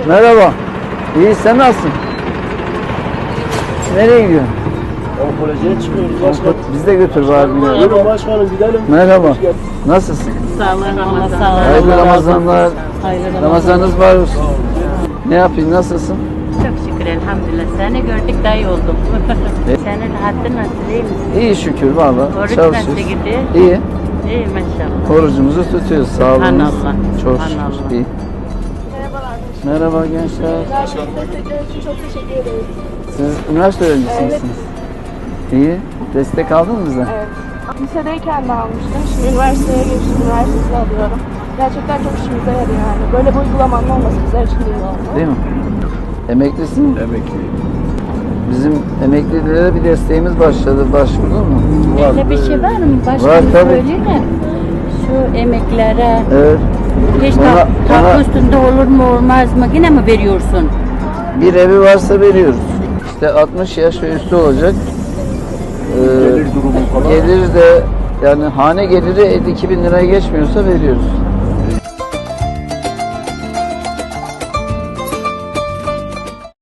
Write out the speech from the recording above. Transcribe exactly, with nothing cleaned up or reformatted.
Merhaba. İyi, sen nasılsın? Nereye gidiyorsun? Onkolojiye çıkıyoruz başkanım. Biz de götür bari. Buyurun başkanım gidelim. Merhaba. Nasılsın? Sağ olun, Allah sağ olun. Hayırlı Ramazanlar. Hayırlı Ramazanlar. Ramazanınız var olsun. Ne yapayım, nasılsın? Çok şükür elhamdülillah. Seni gördük daha iyi oldum. Senin rahatın nasıl, iyi misin? İyi şükür valla. Oruç nasıl Çalışıyoruz. gidiyor? İyi. İyi maşallah. Orucumuzu tutuyoruz. Sağ olun. Subhanallah. Çok Subhanallah. şükür. İyi. Merhaba gençler. Destekler için çok teşekkür ederiz. Siz üniversite öğrencisi Evet. misiniz? İyi. Destek aldın mı bize? Evet. Lisedeyken de almıştım. Şimdi üniversiteye geçtim. Üniversitede alıyorum. Gerçekten çok işimize yarıyor yani. Böyle bir uygulamanın olması bizler için iyi oldu. Değil mi? Emeklisin mi? Emekliyim. Bizim emeklilere bir desteğimiz başladı. Başvurdun mu? Öyle bir şey var mı? Başka Var, bir tabii. söyleyeyim mi? Şu emeklere Evet. hiç Ona- ta- ona- tapu üstünde olur mu olmaz mı? Yine mi veriyorsun? Bir evi varsa veriyoruz. İşte altmış yaş ve üstü olacak. Ee, Gelir durumu falan. gelir de yani hane geliri elli iki bin liraya geçmiyorsa veriyoruz.